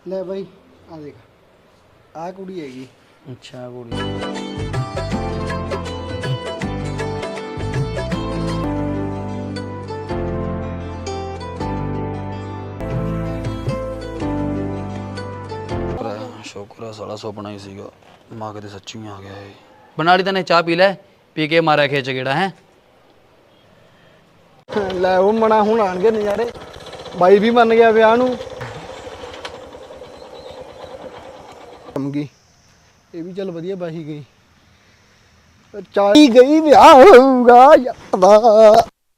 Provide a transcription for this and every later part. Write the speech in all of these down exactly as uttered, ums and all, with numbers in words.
ਲੈ ਬਾਈ ਆ ਦੇਖ ਆ ਕੁੜੀ ਹੈਗੀ। ਅੱਛਾ ਕੁੜੀ ਸ਼ੁਕਰ ਆ ਸਾਲਾ ਸੁਪਨਾ ਹੀ ਸੀਗਾ ਮਾਂ ਕਿਤੇ ਸੱਚੀ ਆ ਗਿਆ ਇਹ ਬਣਾ ਲਈ ਤੈਨੇ ਚਾਹ ਪੀ ਲੈ ਪੀ ਕੇ ਮਾਰਿਆ ਖੇਚ ਗੇੜਾ ਹੈ ਲੈ ਉਹ ਮਣਾ ਹੁਣ ਆਣਗੇ ਨਜ਼ਾਰੇ ਬਾਈ ਵੀ ਮੰਨ ਗਿਆ ਵਿਆਹ ਨੂੰ ਗਈ ਇਹ ਵੀ ਚੱਲ ਵਧੀਆ ਬਾਹੀ ਗਈ ਚਾਲੀ ਗਈ ਵਿਆਹ ਹੋਊਗਾ ਯਾਰ ਦਾ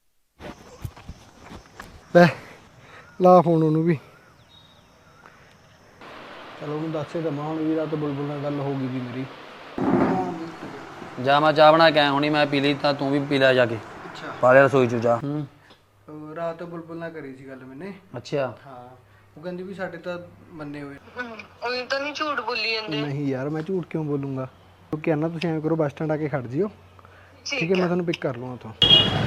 ਲੈ ਲਾ ਫੋਨ ਉਹਨੂੰ ਵੀ ਚਲੋ ਉਹਨੂੰ ਦੱਸੇ ਦਮਾ ਹੁਣ ਵੀ ਰਾਤ ਬੁਲਬੁਲ ਨਾਲ ਗੱਲ ਹੋ ਗਈ ਵੀ ਮੇਰੀ ਜਾ ਮੈਂ ਚਾਹ ਬਣਾ ਕੇ ਆਇਆ ਹੁਣੀ ਮੈਂ ਪੀ ਲਈ ਤਾਂ ਤੂੰ ਵੀ ਪੀ ਲੈ ਜਾ ਕੇ ਅੱਛਾ ਪਾ ਲਿਆ ਰਸੋਈ ਚ ਜਾ ਹੂੰ ਰਾਤ ਬੁਲਬੁਲ ਨਾਲ ਕਰੀ ਸੀ ਗੱਲ ਮੈਨੇ ਅੱਛਾ ਹਾਂ ਉਹ ਕਹਿੰਦੀ ਵੀ ਸਾਡੇ ਤਾਂ ਮੰਨੇ ਹੋਏ ਉਹ ਤਾਂ ਨਹੀਂ ਝੂਠ ਬੋਲੀ ਜਾਂਦੇ ਨਹੀਂ ਯਾਰ ਮੈਂ ਝੂਠ ਕਿਉਂ ਬੋਲੂੰਗਾ ਕਿਉਂਕਿ ਆਨਾ ਤੁਸੀਂ ਐਂ ਕਰੋ ਬੱਸ ਸਟੈਂਡ ਆ ਕੇ ਖੜ ਜਿਓ ਠੀਕ ਹੈ ਮੈਂ ਤੁਹਾਨੂੰ ਪਿਕ ਕਰ ਲਵਾਂ ਉੱਥੋਂ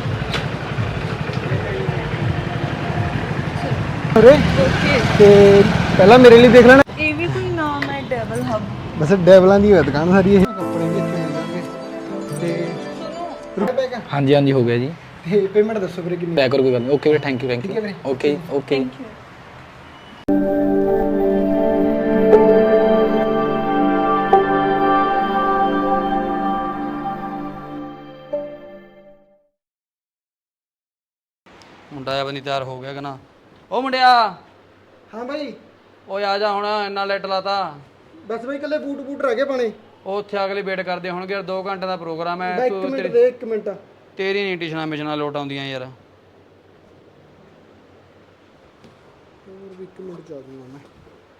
ਅਰੇ ਤੇ ਪਹਿਲਾਂ ਮੇਰੇ ਲਈ ਦੇਖ ਲੈਣਾ ਇਹ ਵੀ ਕੋਈ ਨਾਮ ਹੈ ਡਬਲ ਹੱਬ ਬਸ ਡੈਵਲਾਂ ਦੀ ਹੋਇਆ ਦੁਕਾਨ ਸਾਰੀ ਇਹ ਕੱਪੜੇ ਵੀ ਇੱਥੇ ਮਿਲ ਜਾਣਗੇ ਤੇ ਰੁਪਏ ਪੈਕ ਹਾਂਜੀ ਹਾਂਜੀ ਹੋ ਗਿਆ ਜੀ ਤੇ ਪੇਮੈਂਟ ਦੱਸੋ ਵੀਰੇ ਕਿੰਨੀ ਪੈਕ ਕਰੋ ਕੋਈ ਗੱਲ ਨਹੀਂ ਓਕੇ ਵੀਰੇ ਥੈਂਕ ਯੂ ਥੈਂਕ ਠੀਕ ਹੈ ਯੂ ਵੀਰੇ ਓਕੇ ਓਕੇ ਮੁੰਡਾ ਬਣੀ ਤਿਆਰ ਹੋ ਗਿਆ ਕਿ ਨਾ ਉਹ ਮੁੰਡਿਆ ਹਾਂ ਬਾਈ ਓਏ ਆ ਜਾ ਹੁਣ ਇੰਨਾ ਲੇਟ ਲਾਤਾ ਬਸ ਬਾਈ ਕੱਲੇ ਬੂਟ ਬੂਟ ਰਹਿ ਗਏ ਪਾਣੇ ਉਹ ਉੱਥੇ ਅਗਲੇ ਵੇਟ ਕਰਦੇ ਹੋਣਗੇ ਦੋ ਘੰਟੇ ਦਾ ਪ੍ਰੋਗਰਾਮ ਹੈ ਇੱਕ ਮਿੰਟ ਦੇ ਇੱਕ ਮਿੰਟ ਤੇਰੀ ਨਹੀਂ ਟਿਸ਼ਨਾਂ ਮਿਸ਼ਨਾਂ ਲੋਟ ਆਉਂਦੀਆਂ ਯਾਰ ਹੋਰ ਵੀ ਇੱਕ ਮਿੰਟ ਜਾ ਦੂੰਗਾ ਮੈਂ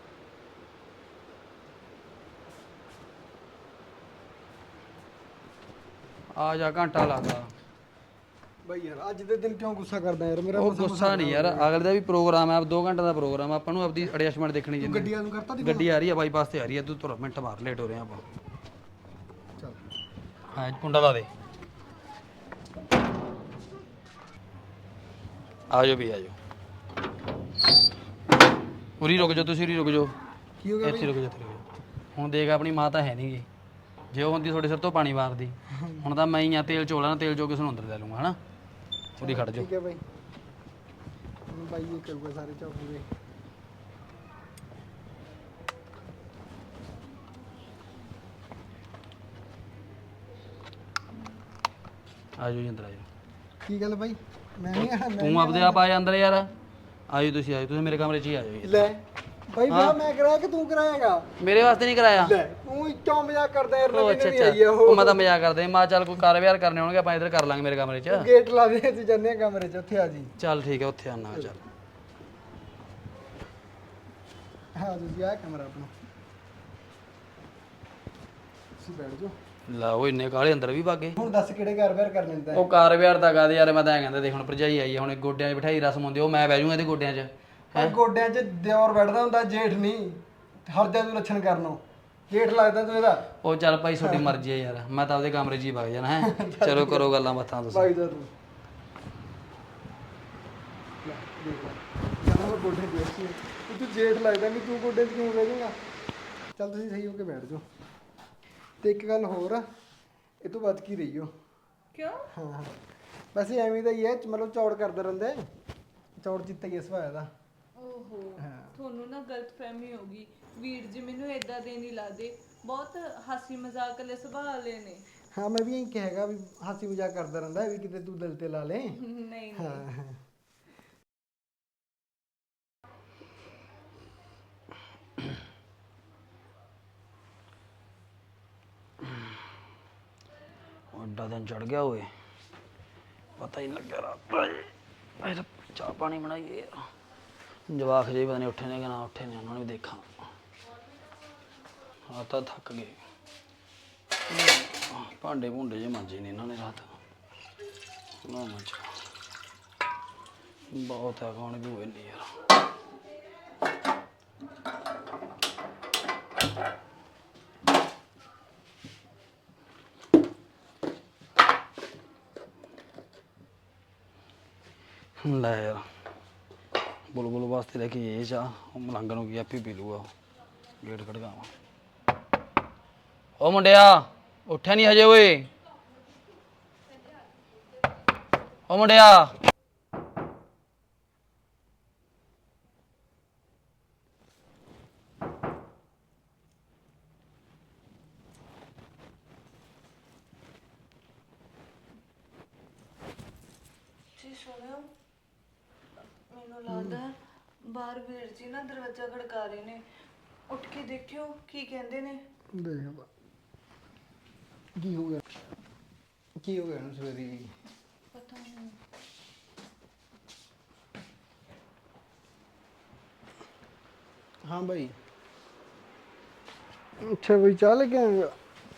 ਆ ਜਾ ਘੰਟਾ ਲਾਤਾ ਬਾਈ ਯਾਰ ਅੱਜ ਦੇ ਦਿਨ ਕਿਉਂ ਗੁੱਸਾ ਕਰਦਾ ਯਾਰ ਮੇਰਾ ਉਹ ਮਸਾਂ- ਗੁੱਸਾ ਨਹੀਂ ਯਾਰ ਅਗਲੇ ਦਾ ਵੀ ਪ੍ਰੋਗਰਾਮ ਹੈ ਦੋ ਘੰਟੇ ਦਾ ਪ੍ਰੋਗਰਾਮ ਆਪਾਂ ਨੂੰ ਆਪਦੀ ਐਡਜਸਟਮੈਂਟ ਦੇਖਣੀ ਜਿੰਨੀ ਗੱਡੀਆਂ ਨੂੰ ਕਰਤਾ ਦੀ ਗੱਡੀ ਆ ਰਹੀ ਹੈ ਬਾਈਪਾਸ ਤੇ ਆ ਰਹੀ ਹੈ ਤੂੰ ਤੁਰ ਮਿੰਟ ਮਾਰ ਲੇਟ ਹੋ ਰਹੇ ਆਪਾਂ ਚੱਲ ਹਾਂ ਕੁੰਡਾ ਲਾ ਦੇ ਆ ਜਾਓ ਵੀ ਆ ਜਾਓ ਉਰੀ ਰੁਕ ਜਾਓ ਤੁਸੀਂ ਉਰੀ ਰੁਕ ਜਾਓ ਕੀ ਹੋ ਗਿਆ ਇੱਥੇ ਰੁਕ ਜਾਓ ਇੱਥੇ ਰੁਕ ਜਾਓ ਹੁਣ ਦੇਖ ਆਪਣੀ ਮਾਂ ਤਾਂ ਹੈ ਨਹੀਂ ਗੀ ਜੇ ਉਹ ਹੁੰਦੀ ਤੁਹਾਡੇ ਸਿਰ ਤੋਂ ਪਾਣੀ ਵਾਰਦੀ ਹੁਣ ਤਾਂ ਮੈਂ ਹੀ ਆ ਤੇਲ ਚੋਲਾ ਨਾ ਤੇਲ ਚੋ ਕਿਸ ਨੂੰ ਅੰਦਰ ਲੈ ਲੂੰਗਾ ਹਨਾ ਉਰੀ ਖੜ ਜਾਓ ਠੀਕ ਹੈ ਬਾਈ ਹੁਣ ਬਾਈ ਇਹ ਕਰੂਗਾ ਸਾਰੇ ਚੌਕੂਗੇ ਆ ਜਾਓ ਜੀ ਅੰਦਰ ਆ ਜਾਓ ਕੀ ਗੱਲ ਬਾਈ ਮੈਂ ਨਹੀਂ ਆਣਾ ਤੂੰ ਆਪਦੇ ਆਪ ਆ ਜਾ ਅੰਦਰ ਯਾਰ ਆਜੋ ਤੁਸੀਂ ਆਜੋ ਤੁਸੀਂ ਮੇਰੇ ਕਮਰੇ 'ਚ ਹੀ ਆ ਜਾਓ ਜੀ। ਲੈ ਬਾਈ ਵਿਆਹ ਮੈਂ ਕਰਾਇਆ ਕਿ ਤੂੰ ਕਰਾਏਗਾ ਮੇਰੇ ਵਾਸਤੇ ਨਹੀਂ ਕਰਾਇਆ ਲੈ ਤੂੰ ਕਿਉਂ ਮਜ਼ਾਕ ਕਰਦਾ ਯਾਰ ਉਹ ਨਵੀਂ ਅੱਛਾ ਨਵੀਂ ਆਈ ਆ ਅੱਛਾ ਉਹ ਮੈਂ ਤਾਂ ਮਜ਼ਾਕ ਕਰਦੇ ਮਾ ਚੱਲ ਕੋਈ ਕਾਰ ਵਿਹਾਰ ਕਰਨੇ ਹੋਣਗੇ ਆਪਾਂ ਇੱਧਰ ਕਰ ਲਾਂਗੇ ਮੇਰੇ ਕਮਰੇ 'ਚ ਗੇਟ ਲਾ ਦੇ ਤੂੰ ਜੰਨੇ ਕਮਰੇ 'ਚ ਉੱਥੇ ਆ ਜੀ ਚੱਲ ਠੀਕ ਹੈ ਉੱਥੇ ਆਣਾ ਚੱਲ ਹਾਂ ਤੁਸੀਂ ਆ ਕਮਰਾ ਆਪਣਾ ਤੁਸੀਂ ਬੈਠ ਜਾਓ ਲਾ ਉਹ ਇੰਨੇ ਕਾਲੇ ਅੰਦਰ ਵੀ ਭਾਗੇ ਹੁਣ ਦੱਸ ਕਿਹੜੇ ਘਰ ਵਿਆਹ ਕਰਨੇ ਨੇ ਤਾਂ ਉਹ ਕਾਰ ਵਿਹਾਰ ਦਾ ਕਾਦੇ ਯਾਰ ਮੈਂ ਤਾਂ ਐਂ ਕਹਿੰਦਾ ਦੇਖ ਹੁਣ ਭਰਜਾਈ ਆਈ ਹੈ ਹੁਣ ਗੋਡਿਆਂ 'ਚ ਬਿਠਾਈ ਰਸਮ ਹੁੰਦੀ ਉਹ ਮੈਂ ਬਹਿ ਜਾਊਂਗਾ ਇਹਦੇ ਗੋਡਿਆਂ 'ਚ ਪਰ ਗੋਡਿਆਂ 'ਚ ਦਿਓਰ ਬੈਠਦਾ ਹੁੰਦਾ ਜੇਠ ਨਹੀਂ ਹਰ ਜਾ ਤੂੰ ਲੱਛਣ ਕਰਨੋਂ ਜੇਠ ਲੱਗਦਾ ਤੂੰ ਇਹਦਾ ਉਹ ਚੱਲ ਭਾਈ ਤੁਹਾਡੀ ਮਰਜ਼ੀ ਹੈ ਯਾਰ ਮੈਂ ਤਾਂ ਆਪਦੇ ਕਮਰੇ 'ਚ ਹੀ ਵਗ ਜਾਣਾ ਹੈ ਚਲੋ ਕਰੋ ਗੱਲਾਂ ਬਾਤਾਂ ਤੁਸੀਂ ਭਾਈ ਦਾ ਤੂੰ ਲੈ ਦੇਖ ਲੈ ਕਹਿੰਦਾ ਮੈਂ ਗੋਡੇ ਦੇਖ ਸੀ ਤੂੰ ਜੇਠ ਲੱਗਦਾ ਵੀ ਤੂੰ ਗੋਡੇ 'ਚ ਕਿਉਂ ਬਹਿ ਜਾਏਗਾ ਚੱਲ ਤੁਸੀਂ ਸਹੀ ਹੋ ਕੇ ਬੈਠ ਜਾਓ ਤੇ ਇੱਕ ਗੱਲ ਹੋਰ ਆ ਇਹ ਤੋਂ ਵੱਧ ਕੀ ਰਹੀਓ ਕਿਉਂ ਹਾਂ ਵੈਸੇ ਐਵੇਂ ਦਾ ਹੀ ਹੈ ਮਤਲਬ ਚੌੜ ਕਰਦਾ ਰਹਿੰਦਾ ਚੌੜ ਚਿੱਤਾ ਹੀ ਸੁਭਾਅ ਦਾ ਓਹੋ ਤੁਹਾਨੂੰ ਨਾ ਗਲਤਫਹਿਮੀ ਹੋ ਗਈ ਵੀਰ ਜੀ ਮੈਨੂੰ ਇਦਾਂ ਦੇ ਨਹੀਂ ਲੱਗਦੇ ਬਹੁਤ ਹਾਸੀ ਮਜ਼ਾਕ ਵਾਲੇ ਸੁਭਾਅ ਵਾਲੇ ਨੇ ਹਾਂ ਮੈਂ ਵੀ ਇਹੀ ਕਹੇਗਾ ਵੀ ਹਾਸੀ ਮਜ਼ਾਕ ਕਰਦਾ ਰਹਿੰਦਾ ਵੀ ਕਿਤੇ ਤੂੰ ਦਿਲ ਤੇ ਲਾ ਲੈ ਨਹੀਂ ਨਹੀਂ ਹਾਂ ਐਡਾ ਦਿਨ ਚੜ ਗਿਆ ਓਏ ਪਤਾ ਹੀ ਨਹੀਂ ਲੱਗਿਆ ਰਾਤ ਦਾ ਇਹ ਤਾਂ ਚਾਹ ਪਾਣੀ ਬਣਾਈਏ ਯਾਰ ਜਵਾਕ ਜੇ ਪਤਾ ਨਹੀਂ ਉੱਠੇ ਨੇ ਕਿ ਨਾ ਉੱਠੇ ਨੇ ਉਹਨਾਂ ਨੂੰ ਵੀ ਦੇਖਾਂ ਆ ਤਾਂ ਥੱਕ ਗਏ ਭਾਂਡੇ ਭੁੰਡੇ ਜੇ ਮਾਂਜੇ ਨੇ ਇਹਨਾਂ ਨੇ ਰਾਤ ਨਾ ਮਾਂਜ ਬਹੁਤ ਹੈ ਕੌਣ ਵੀ ਹੋਏ ਨਹੀਂ ਯਾਰ ਲੈ ਯਾਰ ਬੁਲਬੁਲ ਵਾਸਤੇ ਲੈ ਕੇ ਇਹ ਚਾਹ, ਉਹ ਮਲੰਗ ਨੂੰ ਕੀ ਆਪੇ ਪੀ ਲੂਗਾ। ਗੇਟ ਖੜਕਾਵਾਂ। ਉਹ ਮੁੰਡਿਆ ਉੱਠਿਆ ਨਹੀਂ ਹਜੇ ਓਏ? ਉਹ ਮੁੰਡਿਆ ਜੀ ਸੁਣਿਓ, ਮੈਨੂੰ ਲੱਗਦਾ ਬਾਹਰ ਵੀਰ ਜੀ ਨਾ ਦਰਵਾਜ਼ਾ ਖੜਕਾ ਰਹੇ ਨੇ। ਉੱਠ ਕੇ ਦੇਖਿਓ ਕੀ ਕਹਿੰਦੇ ਨੇ। ਦੇਖ ਬਾ ਕੀ ਹੋ ਗਿਆ, ਕੀ ਹੋ ਗਿਆ ਨੂੰ ਸਵੇਰੇ ਜੀ? ਪਤਾ ਨਹੀਂ। ਹਾਂ ਬਾਈ। ਅੱਛਾ ਬਈ ਚਾਹ ਲੈ ਕੇ ਆਏਗਾ?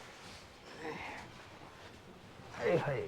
ਹਾਏ ਹਾਏ।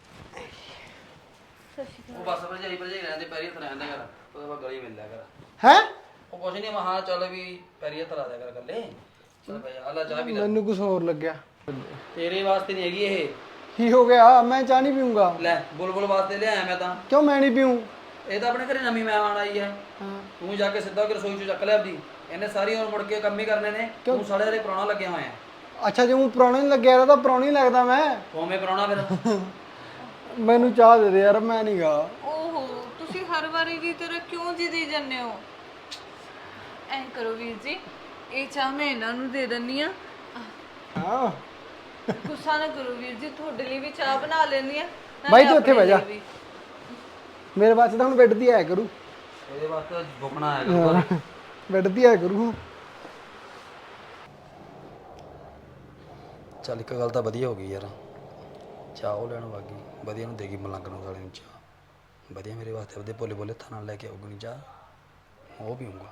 ਉਹ ਬਸ ਭਰਜਾਈ ਭਰਜਾਈ ਰਹਿੰਦੇ ਪੈਰੀ ਹੱਥ ਰਹਿੰਦੇ ਕਰ, ਉਹਦੇ ਬਾਅਦ ਗਲੀ ਮਿਲ ਲਿਆ ਕਰ। ਹੈ ਉਹ ਕੁਛ ਨਹੀਂ, ਮਹਾ ਚੱਲ ਵੀ ਪੈਰੀ ਹੱਥ ਲਾ ਦਿਆ ਕਰ ਗੱਲੇ। ਚੱਲ ਭਾਈ ਆਲਾ ਚਾਹ ਪੀ ਲੈ। ਮੈਨੂੰ ਕੁਝ ਹੋਰ ਲੱਗਿਆ। ਤੇਰੇ ਵਾਸਤੇ ਨਹੀਂ ਹੈਗੀ ਇਹ। ਕੀ ਹੋ ਗਿਆ? ਮੈਂ ਚਾਹ ਨਹੀਂ ਪੀਊਂਗਾ। ਲੈ ਬੁਲਬੁਲ ਵਾਸਤੇ ਲਿਆਇਆ ਮੈਂ ਤਾਂ। ਕਿਉਂ ਮੈਂ ਨਹੀਂ ਪੀਊਂ? ਇਹ ਤਾਂ ਆਪਣੇ ਘਰੇ ਨਵੀਂ ਮਹਿਮਾਨ ਆਈ ਹੈ। ਹਾਂ ਤੂੰ ਜਾ ਕੇ ਸਿੱਧਾ ਹੋ ਕੇ ਰਸੋਈ ਚੋਂ ਚੱਕ ਲਿਆ ਆਪਦੀ। ਇਹਨੇ ਸਾਰੀ ਉਮਰ ਮੁੜ ਕੇ ਕੰਮ ਹੀ ਕਰਨੇ ਨੇ। ਤੂੰ ਸਾਲੇ ਵਾਲੇ ਪ੍ਰਾਹੁਣਾ ਲੱਗਿਆ ਹੋਇਆ। ਅੱਛਾ ਜੇ ਉਹ ਪੁਰਾਣਾ ਨਹੀਂ ਲੱਗਿਆ ਤਾਂ ਪੁਰਾਣਾ ਹੀ ਲੱਗਦਾ ਮੈਂ। ਕੋਵੇਂ ਪ੍ਰਾਹੁਣਾ ਫਿਰ? ਮੈਨੂੰ ਚਾਹ ਦੇ ਦੇ ਯਾਰ, ਮੈਂ ਨਹੀਂ ਗਾ। ਓਹੋ, ਤੁਸੀਂ ਹਰ ਵਾਰੀ ਦੀ ਤਰ੍ਹਾਂ ਕਿਉਂ ਜਿੱਦੀ ਜਾਂਦੇ ਹੋ? ਐਂ ਕਰੋ ਵੀਰ ਜੀ, ਇਹ ਚਾਹ ਮੈਂ ਇਹਨਾਂ ਨੂੰ ਦੇ ਦਿੰਨੀ ਆ। ਹਾਂ ਗੁੱਸਾ ਨਾ ਕਰੋ ਵੀਰ ਜੀ, ਤੁਹਾਡੇ ਲਈ ਵੀ ਚਾਹ ਬਣਾ ਲੈਣੀ ਆ। ਬਾਈ ਤੂੰ ਉੱਥੇ ਬਹਿ ਜਾ। ਮੇਰੇ ਵਾਸਤੇ ਤਾਂ ਹੁਣ ਬੈੱਡ ਦੀ ਆਇਆ ਕਰੂ। ਇਹਦੇ ਵਾਸਤੇ ਬੁਕਣਾ ਆਇਆ ਕਰੂਗਾ। ਬੈੱਡ ਦੀ ਆਇਆ ਕਰੂ। ਚੱਲ ਇੱਕ ਗੱਲ ਤਾਂ ਵਧੀਆ ਹੋ ਗਈ ਯਾਰ, ਚਾਹ ਉਹ ਲੈਣ ਵਾਗੀ ਵਧੀਆ ਨੂੰ ਦੇਗੀ ਮਲੰਗ ਨੂੰ ਸਾਲੇ ਨੂੰ ਚਾਹ। ਵਧੀਆ ਮੇਰੇ ਵਾਸਤੇ ਉਹਦੇ ਭੋਲੇ ਭੋਲੇ ਹੱਥਾਂ ਨਾਲ ਲੈ ਕੇ ਆਊਗੀ ਚਾਹ, ਉਹ ਪੀਊਂਗਾ।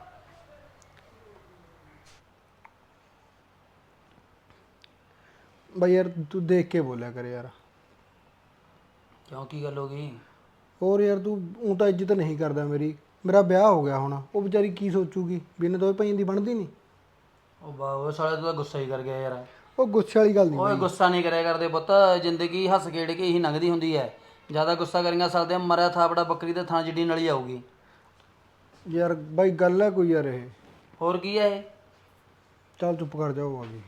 ਬਾਈ ਯਾਰ ਤੂੰ ਦੇਖ ਕੇ ਬੋਲਿਆ ਕਰ ਯਾਰ। ਕਿਉਂ ਕੀ ਗੱਲ ਹੋ ਗਈ? ਹੋਰ ਯਾਰ ਤੂੰ ਊਂ ਤਾਂ ਇੱਜ਼ਤ ਨਹੀਂ ਕਰਦਾ ਮੇਰੀ। ਮੇਰਾ ਵਿਆਹ ਹੋ ਗਿਆ ਹੁਣ, ਉਹ ਵਿਚਾਰੀ ਕੀ ਸੋਚੂਗੀ ਵੀ ਇਹਨੇ ਦੋਵੇਂ ਭਾਈਆਂ ਦੀ ਬਣਦੀ ਨਹੀਂ। ਉਹ ਬਾਬਾ ਸਾਲੇ ਤੂੰ ਤਾਂ ਗੁੱਸਾ ਹੀ ਕਰ ਗਿਆ ਯਾਰ। ਉਹ ਗੁੱਸੇ ਵਾਲੀ ਗੱਲ ਨਹੀਂ। ਓਏ ਗੁੱਸਾ ਨਹੀਂ ਕਰਿਆ ਕਰਦੇ ਪੁੱਤ, ਜ਼ਿੰਦਗੀ ਹੱਸ ਖੇਡ ਕੇ ਹੀ ਲੰਘਦੀ ਹੁੰਦੀ ਹੈ। ਜ਼ਿਆਦਾ ਗੁੱਸਾ ਕਰੀਂਗਾ ਸਕਦੇ ਮਰਿਆ ਥਾਪੜਾ ਬੱਕਰੀ ਦੇ ਥਾਂ ਜਿੱਡੀ ਨਲੀ ਆਊਗੀ। ਯਾਰ ਬਾਈ ਗੱਲ ਹੈ ਕੋਈ ਯਾਰ ਇਹ। ਹੋਰ ਕੀ ਹੈ ਇਹ? ਚੱਲ ਚੁੱਪ ਕਰ ਜਾਓ ਆ ਗਈ।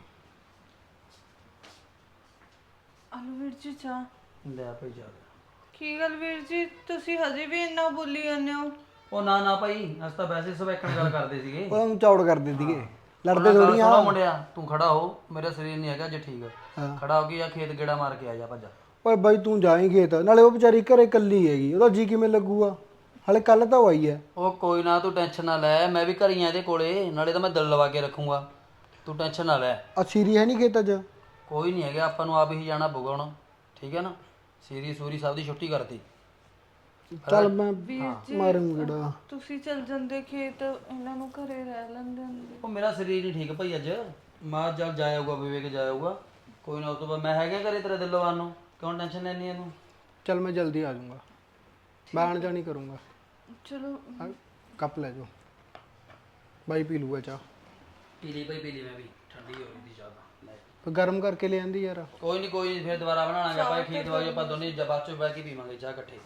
ਆਲੂ ਵੀਰ ਜੀ ਚਾਹ। ਲੈ ਭਾਈ ਜਾ। ਕੀ ਗੱਲ ਵੀਰ ਜੀ, ਤੁਸੀਂ ਹਜੇ ਵੀ ਇੰਨਾ ਬੋਲੀ ਜਾਂਦੇ ਹੋ? ਉਹ ਨਾ ਨਾ ਭਾਈ, ਅਸੀਂ ਤਾਂ ਵੈਸੇ ਸਵੈਕਣ ਗੱਲ ਕਰਦੇ ਸੀਗੇ। ਉਹਨਾਂ ਨੂੰ ਚੌੜ ਕਰਦੇ ਸੀਗੇ, ਲੜਦੇ ਉਹਨਾਂ ਥੋੜੀਆਂ। ਗੱਲ ਸੁਣੋ ਮੁੰਡਿਆ, ਤੂੰ ਖੜਾ ਹੋ, ਮੇਰਾ ਸਰੀਰ ਨਹੀਂ ਹੈਗਾ ਜੇ ਠੀਕ। ਹਾਂ। ਖੜਾ ਹੋ ਕੇ ਆ ਖੇਤ ਗੇੜਾ ਮਾਰ ਕੇ ਆ ਜਾ ਭੱਜਾ। ਓਏ ਬਾਈ ਤੂੰ ਜਾਈਂ ਖੇਤ, ਨਾਲੇ ਉਹ ਵਿਚਾਰੀ ਘਰੇ ਇਕੱਲੀ ਹੈਗੀ, ਉਹਦਾ ਜੀ ਕਿਵੇਂ ਲੱਗੂਗਾ? ਹਾਲੇ ਕੱਲ ਤਾਂ ਉਹ ਆਈ ਹੈ। ਉਹ ਕੋਈ ਨਾ, ਤੂੰ ਟੈਨਸ਼ਨ ਨਾ ਲੈ, ਮੈਂ ਵੀ ਘਰੀ ਆ ਇਹਦੇ ਕੋਲੇ, ਨਾਲੇ ਤਾਂ ਮੈਂ ਦਿਲ ਲਵਾ ਕੇ ਰੱਖੂੰਗਾ। ਤੂੰ ਟੈਨਸ਼ਨ ਨਾ ਲੈ। ਆ ਸੀਰੀ ਹੈ ਨਹੀਂ ਖੇਤ 'ਚ? ਕੋਈ ਨਹੀਂ ਹੈਗਾ, ਆਪਾਂ ਨੂੰ ਆਪ ਹੀ ਜਾਣਾ ਪਊਗਾ ਹੁਣ, ਠੀਕ ਹੈ ਨਾ? ਸੀਰੀ ਸੂਰੀ ਸਭ ਦੀ ਛੁੱਟੀ ਕਰਤੀ। ਚੱਲ ਮੈਂ ਮਾਰੂੰਗਾ ਗੇੜਾ। ਤੁਸੀਂ ਚੱਲ ਜਾਂਦੇ ਖੇਤ, ਇਹਨਾਂ ਨੂੰ ਘਰੇ ਰਹਿ ਲੈਂਦੇ ਹੁੰਦੇ। ਉਹ ਮੇਰਾ ਸਰੀਰ ਨਹੀਂ ਠੀਕ ਭਾਈ ਅੱਜ, ਮਾਂ ਜਦ ਜਾਇਆਊਗਾ ਵਿਵੇਕ ਜਾਇਆਊਗਾ, ਕੋਈ ਨਾ ਉਸ ਤੋਂ ਬਾਅਦ ਮੈਂ ਹੈਗਾ ਘਰੇ ਤੇਰੇ ਦਿਲ ਲਵਾਨ ਨੂੰ, ਕਿਉਂ ਟੈਨਸ਼ਨ ਲੈਣੀ ਇਹਨੂੰ? ਚੱਲ ਮੈਂ ਜਲਦੀ ਆ ਜਾਊਂਗਾ, ਮੈਂ ਆਣ ਜਾਣੀ ਕਰੂੰਗਾ। ਚਲੋ ਆਹ ਕੱਪ ਲੈ ਜਾਓ, ਬਾਈ ਪੀ ਲੂਗਾ ਚਾਹ। ਪੀ ਲਈ ਭਾਈ ਪੀ ਲਈ, ਮੈਂ ਵੀ ਠੰਡੀ ਹੋ ਗਈ ਦੀ ਚਾਹ ਤਾਂ। ਫਿਰ ਗਰਮ ਕਰਕੇ ਲੈ ਆਂਦੀ ਯਾਰ। ਕੋਈ ਨਹੀਂ ਕੋਈ ਨਹੀਂ, ਫਿਰ ਦੁਬਾਰਾ ਬਣਾਵਾਂਗੇ ਆਪਾਂ ਖੇਤ ਵਾਜੋ, ਆਪਾਂ ਦੋਨੇ ਬਾਅਦ ਚੋਂ ਬਹਿ ਕੇ ਪੀਵਾਂਗੇ ਚਾਹ ਇਕੱਠੇ।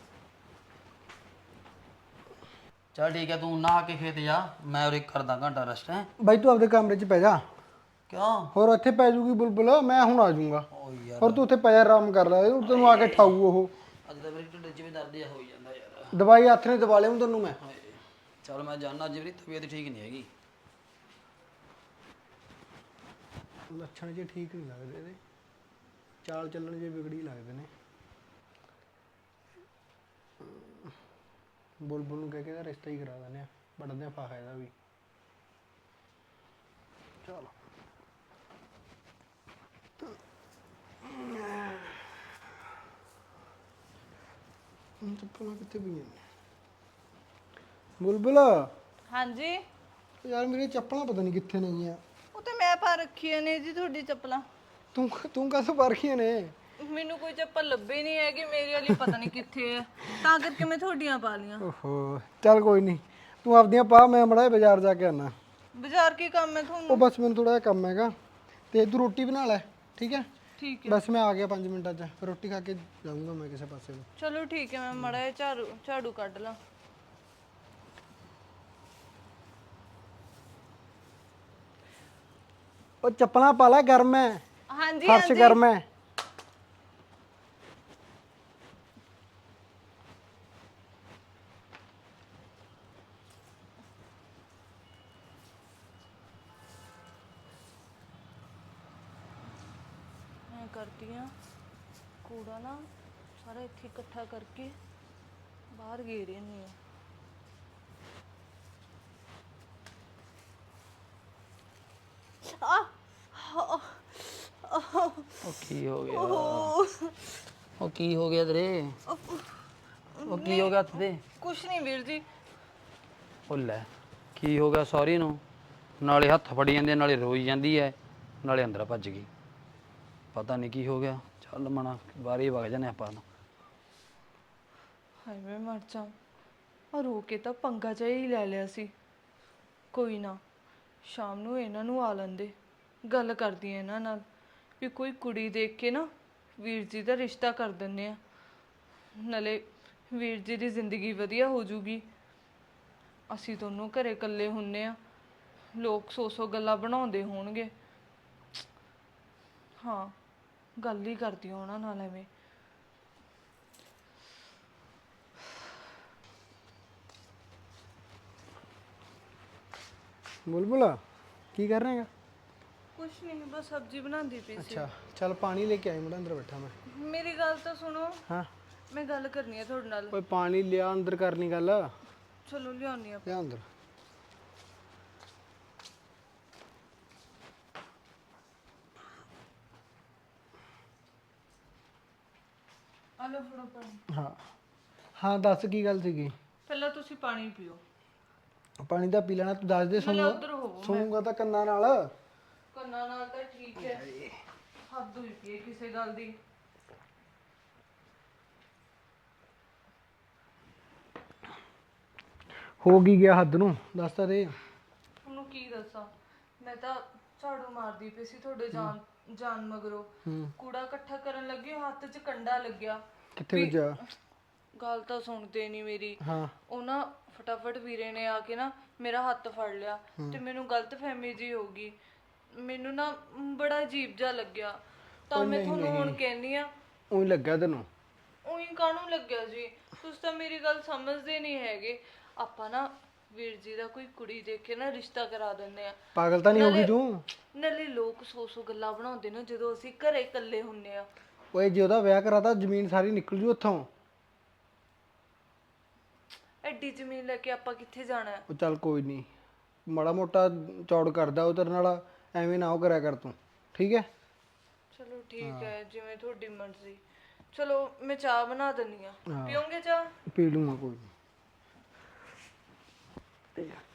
ਚੱਲ ਠੀਕ ਹੈ, ਤੂੰ ਨਹਾ ਕੇ ਖੇਤ ਜਾ, ਮੈਂ ਉਰੇ ਕਰਦਾ ਘੰਟਾ ਰੈਸਟ। ਹੈ ਬਾਈ ਤੂੰ ਆਪਦੇ ਕਮਰੇ 'ਚ ਪੈ ਜਾ। ਕਿਉਂ? ਹੋਰ ਇੱਥੇ ਪੈ ਜੂਗੀ ਬੁਲਬੁਲ, ਮੈਂ ਹੁਣ ਆ ਜਾਊਂਗਾ। ਓ ਯਾਰ ਹੋਰ ਤੂੰ ਉੱਥੇ ਪੈ ਜਾ, ਆਰਾਮ ਕਰ ਲੈ, ਤੈਨੂੰ ਆ ਕੇ ਠਾਊ ਉਹ। ਅੱਜ ਤਾਂ ਮੇਰੇ ਢਿੱਡ 'ਚ ਵੀ ਦਰਦ ਜਿਹਾ ਹੋਈ ਜਾਂਦਾ ਯਾਰ। ਦਵਾਈ ਹੱਥ ਨੇ ਦਵਾ ਲਿਆਉਂ ਤੈਨੂੰ ਮੈਂ। ਹਾਏ, ਚੱਲ ਮੈਂ ਜਾਣਾ, ਅੱਜ ਮੇਰੀ ਤਬੀਅਤ ਠੀਕ ਨਹੀਂ ਹੈਗੀ। ਲੱਛਣ ਜੇ ਠੀਕ ਨਹੀਂ ਲੱਗਦੇ ਇਹਦੇ, ਚਾਲ ਚੱਲਣ ਜੇ ਵਿਗੜੀ ਲੱਗਦੇ ਨੇ। ਬੁਲਬੁਲ ਨੂੰ ਕਹਿ ਕੇ ਇਹਦਾ ਰਿਸ਼ਤਾ ਹੀ ਕਰਾ ਦਿੰਦੇ ਆ, ਵੱਢਦੇ ਆ ਫਾਹਾ ਇਹਦਾ ਵੀ। ਚਲ ਚੱਪਲਾਂ ਕਿੱਥੇ ਪਈਆਂ ਨੇ? ਬੁਲਬੁਲ ਹਾਂਜੀ। ਯਾਰ ਮੇਰੀਆਂ ਚੱਪਲਾਂ ਪਤਾ ਨਹੀਂ ਕਿੱਥੇ ਨੇਗੀਆਂ। ਉਹ ਤੇ ਮੈਂ ਪਾ ਰੱਖੀਆਂ ਨੇ ਜੀ ਤੁਹਾਡੀ ਚੱਪਲਾਂ। ਤੂੰ ਤੂੰ ਕਾਹਤੋਂ ਪਾ ਰੱਖੀਆਂ ਨੇ? ਮੈਨੂੰ ਕੋਈ ਚੱਪਲ ਲੱਭੀ ਨਹੀਂ ਹੈਗੀ, ਮੇਰੇ ਵਾਲੀ ਪਤਾ ਨਹੀਂ ਕਿੱਥੇ ਹੈ, ਤਾਂ ਕਰਕੇ ਮੈਂ ਤੁਹਾਡੀਆਂ ਪਾ ਲੀਆਂ। ਓਹੋ ਚੱਲ ਕੋਈ ਨਹੀਂ, ਤੂੰ ਆਪਦੀਆਂ ਪਾ, ਮੈਂ ਮੜਾ ਬਾਜ਼ਾਰ ਜਾ ਕੇ ਆਣਾ। ਬਾਜ਼ਾਰ ਕੀ ਕੰਮ ਹੈ ਉਹ ਤੁਹਾਨੂੰ? ਬਸ ਮੈਨੂੰ ਥੋੜਾ ਜਿਹਾ ਕੰਮ ਹੈਗਾ, ਤੇ ਤੂੰ ਰੋਟੀ ਬਣਾ ਲੈ, ਠੀਕ ਹੈ? ਠੀਕ ਹੈ, ਬਸ ਮੈਂ ਆ ਗਿਆ ਪੰਜ ਮਿੰਟਾਂ 'ਚ, ਫਿਰ ਰੋਟੀ ਖਾ ਕੇ ਜਾਊਂਗਾ ਮੈਂ ਕਿਸੇ ਪਾਸੇ ਨੂੰ। ਚਲੋ ਠੀਕ ਹੈ, ਮੈਂ ਮੜਾ ਝਾੜੂ ਝਾੜੂ ਕੱਢ ਲਾਂ। ਉਹ ਚੱਪਲਾਂ ਪਾ ਲੈ, ਗਰਮ ਹੈ, ਹਾਂਜੀ ਫਰਸ਼ ਹਾਂਜੀ ਗਰਮ ਹੈ। ਮੈਂ ਕਰਦੀ ਆ ਕੂੜਾ ਨਾ ਸਾਰਾ ਇੱਥੇ ਇਕੱਠਾ ਕਰਕੇ ਬਾਹਰ ਗੇਰ ਆਉਂਦੀ ਆ। ਆ ਉਹ ਕੀ ਹੋ ਗਿਆ? ਉਹ ਕੀ ਹੋ ਗਿਆ ਤੇਰੇ? ਉਹ ਕੀ ਹੋ ਗਿਆ ਹੱਥ ਤੇ? ਕੁਛ ਨਹੀਂ ਵੀਰ ਜੀ। ਉਹ ਲੈ, ਕੀ ਹੋ ਗਿਆ ਸੌਰੀ ਨੂੰ? ਨਾਲੇ ਹੱਥ ਫੜੀ ਜਾਂਦੇ, ਨਾਲੇ ਰੋਈ ਜਾਂਦੀ ਐ, ਨਾਲੇ ਅੰਦਰ ਭੱਜ ਗਈ। ਪਤਾ ਨਹੀਂ ਕੀ ਹੋ ਗਿਆ। ਚੱਲ ਮਣਾ ਬਾਰੀ ਵਗ ਜਾਨੇ ਆਪਾਂ ਨੂੰ। ਹਾਏ ਮੈਂ ਮਰ ਜਾ। ਆ ਰੋ ਕੇ ਤਾਂ ਪੰਗਾ ਜਿਹਾ ਹੀ ਲੈ ਲਿਆ ਸੀ। ਕੋਈ ਨਾ, ਸ਼ਾਮ ਨੂੰ ਇਹਨਾਂ ਨੂੰ ਆ ਲੈਂਦੇ, ਗੱਲ ਕਰਦੀ ਆ ਇਹਨਾਂ ਨਾਲ ਵੀ ਕੋਈ ਕੁੜੀ ਦੇਖ ਕੇ ਨਾ ਵੀਰ ਜੀ ਦਾ ਰਿਸ਼ਤਾ ਕਰ ਦਿੰਦੇ ਆ, ਨਾਲੇ ਵੀਰ ਜੀ ਦੀ ਜ਼ਿੰਦਗੀ ਵਧੀਆ ਹੋ ਜੂਗੀ। ਅਸੀਂ ਦੋਨੋਂ ਘਰੇ ਇਕੱਲੇ ਹੁੰਨੇ ਆ, ਲੋਕ ਸੌ ਸੌ ਗੱਲਾਂ ਬਣਾਉਂਦੇ ਹੋਣਗੇ। ਹਾਂ, ਗੱਲ ਹੀ ਕਰਦੀ ਆ ਉਹਨਾਂ ਨਾਲ ਐਵੇਂ। ਬੁਲਬੁਲ ਕੀ ਕਰ ਰਹੇਗਾ? ਕੁਛ ਨਹੀਂ, ਬਸ ਸਬਜ਼ੀ ਬਣਾਉਂਦੀ ਪਈ ਸੀ। ਅੱਛਾ ਚੱਲ ਪਾਣੀ ਲੈ ਕੇ ਆਈ, ਮੁੰਡਾ ਅੰਦਰ ਬੈਠਾ ਮੈਂ। ਮੇਰੀ ਗੱਲ ਤਾਂ ਸੁਣੋ, ਹਾਂ ਮੈਂ ਗੱਲ ਕਰਨੀ ਆ ਤੁਹਾਡੇ ਨਾਲ। ਓਏ ਪਾਣੀ ਲਿਆ, ਅੰਦਰ ਕਰਨੀ ਗੱਲ। ਚਲੋ ਲਿਆਉਣੀ ਆ। ਲਿਆ ਅੰਦਰ। ਆ ਲਓ ਫੜੋ ਪਾਣੀ। ਹਾਂ ਹਾਂ ਦੱਸ ਕੀ ਗੱਲ ਸੀਗੀ? ਪਹਿਲਾਂ ਤੁਸੀਂ ਪਾਣੀ ਪੀਓ। ਪਾਣੀ ਤਾਂ ਪੀ ਲੈਣਾ, ਤੂੰ ਦੱਸ ਦੇ। ਨਾਲੇ ਸੁਣੂਗਾ ਉੱਧਰ ਹੋਵੋ। ਸੁਣੂਗਾ ਤਾਂ ਕੰਨਾਂ ਨਾਲ। ਕੰਨਾਂ ਨਾਲ ਤਾਂ ਠੀਕ ਹੈ, ਹੱਦ ਹੋਈ ਪਈ ਹੈ ਕਿਸੇ ਗੱਲ ਦੀ। ਹੋ ਗਈ ਗਿਆ ਹੱਦ ਨੂੰ, ਦੱਸ ਤਾਂ ਦੇ। ਉਹਨੂੰ ਕੀ ਦੱਸਾਂ, ਮੈਂ ਤਾਂ ਝਾੜੂ ਮਾਰਦੀ ਪਈ ਸੀ ਤੁਹਾਡੇ ਜਾਨ ਜਾਨ ਮਗਰੋਂ। ਕੂੜਾ ਇਕੱਠਾ ਕਰਨ ਲੱਗੀ, ਹੱਥ 'ਚ ਕੰਡਾ ਲੱਗਿਆ। ਕਿੱਥੇ ਵੱਜਾ? ਗੱਲ ਤਾਂ ਸੁਣਦੇ ਨਹੀਂ ਮੇਰੀ। ਹਾਂ ਉਹ ਨਾ ਫਟਾਫਟ ਵੀਰੇ ਨੇ ਆ ਕੇ ਨਾ ਮੇਰਾ ਹੱਥ ਫੜ ਲਿਆ ਤੇ ਮੈਨੂੰ ਗਲਤਫਹਿਮੀ ਜੀ ਹੋ ਗਈ। ਮੈਨੂੰ ਨਾ ਬੜਾ ਅਜੀਬ ਜਿਹਾ ਲੱਗਿਆ, ਤਾਂ ਮੈਂ ਤੁਹਾਨੂੰ ਹੁਣ ਕਹਿੰਦੀ ਆ। ਉਹੀ ਲੱਗਾ ਤੈਨੂੰ? ਉਹੀ ਕਾਹਨੂੰ ਲੱਗਿਆ ਜੀ, ਤੁਸੀਂ ਤਾਂ ਮੇਰੀ ਗੱਲ ਸਮਝਦੇ ਨਹੀਂ ਹੈਗੇ। ਆਪਾਂ ਨਾ ਵੀਰ ਜੀ ਦਾ ਕੋਈ ਕੁੜੀ ਦੇਖ ਕੇ ਨਾ ਰਿਸ਼ਤਾ ਕਰਾ ਦਿੰਦੇ ਆ। ਪਾਗਲ ਤਾਂ ਨਹੀਂ ਹੋ ਗਈ ਤੂੰ? ਨਾਲੇ ਲੋਕ ਸੌ ਸੌ ਗੱਲਾਂ ਬਣਾਉਂਦੇ ਨੇ ਜਦੋਂ ਅਸੀਂ ਘਰੇ ਇਕੱਲੇ ਹੁੰਨੇ ਆ। ਓਏ ਜੇ ਉਹਦਾ ਵਿਆਹ ਕਰਾਤਾ ਜ਼ਮੀਨ ਸਾਰੀ ਨਿਕਲ ਜੂ ਉੱਥੋਂ। ਐਡੀ ਜ਼ਮੀਨ ਲੈ ਕੇ ਆਪਾਂ ਕਿੱਥੇ ਜਾਣਾ ਹੈ? ਉਹ ਚੱਲ ਕੋਈ ਨਹੀਂ, ਮਾੜਾ ਮੋਟਾ ਚੌੜ ਕਰਦਾ ਉਹ ਤੇਰੇ ਨਾਲ, ਐਵੇਂ ਨਾ ਉਹ ਕਰਿਆ ਕਰ ਤੂੰ, ਠੀਕ ਹੈ? ਚਲੋ ਠੀਕ ਹੈ, ਜਿਵੇਂ ਤੁਹਾਡੀ ਮਰਜ਼ੀ। ਚਲੋ ਮੈਂ ਚਾਹ ਬਣਾ ਦਿੰਦੀ ਆ, ਪੀਓਗੇ ਚਾਹ? ਪੀ ਲੂੰਗਾ ਕੋਈ ਨਹੀਂ।